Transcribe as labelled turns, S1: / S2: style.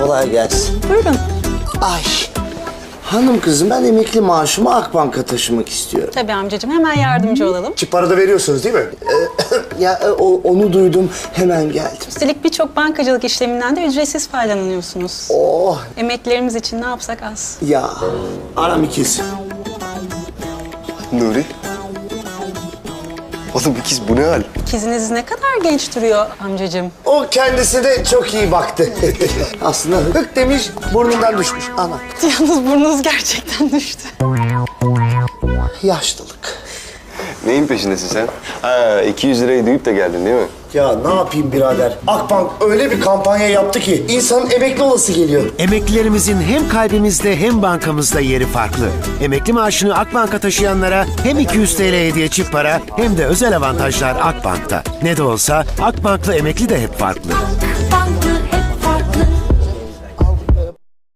S1: kolay gelsin.
S2: Buyurun.
S1: Ay. Hanım kızım, ben emekli maaşımı Akbank'a taşımak istiyorum.
S2: Tabii amcacığım, hemen yardımcı olalım.
S3: Çip para da veriyorsunuz değil mi?
S1: Onu duydum, hemen geldim.
S2: Üstelik birçok bankacılık işleminden de ücretsiz faydalanıyorsunuz.
S1: Oh
S2: Emeklilerimiz için ne yapsak az.
S1: ya, aram ikiz.
S3: Nuri. Oğlum ikiz bu ne hal?
S2: İkiziniz ne kadar genç duruyor amcacığım.
S1: O kendisi de çok iyi baktı. Aslında hık demiş, burnundan düşmüş. Ana,
S2: Yalnız burnunuz gerçekten düştü.
S1: yaşlılık.
S3: Neyin peşindesin sen? Ha 200 lirayı duyup da geldin değil mi?
S1: Ya ne yapayım birader? Akbank öyle bir kampanya yaptı ki insanın emekli olası geliyor.
S4: Emeklilerimizin hem kalbimizde hem bankamızda yeri farklı. Emekli maaşını Akbank'a taşıyanlara hem 200 TL hediye çift para hem de özel avantajlar Akbank'ta. Ne de olsa Akbank'la emekli de hep farklı.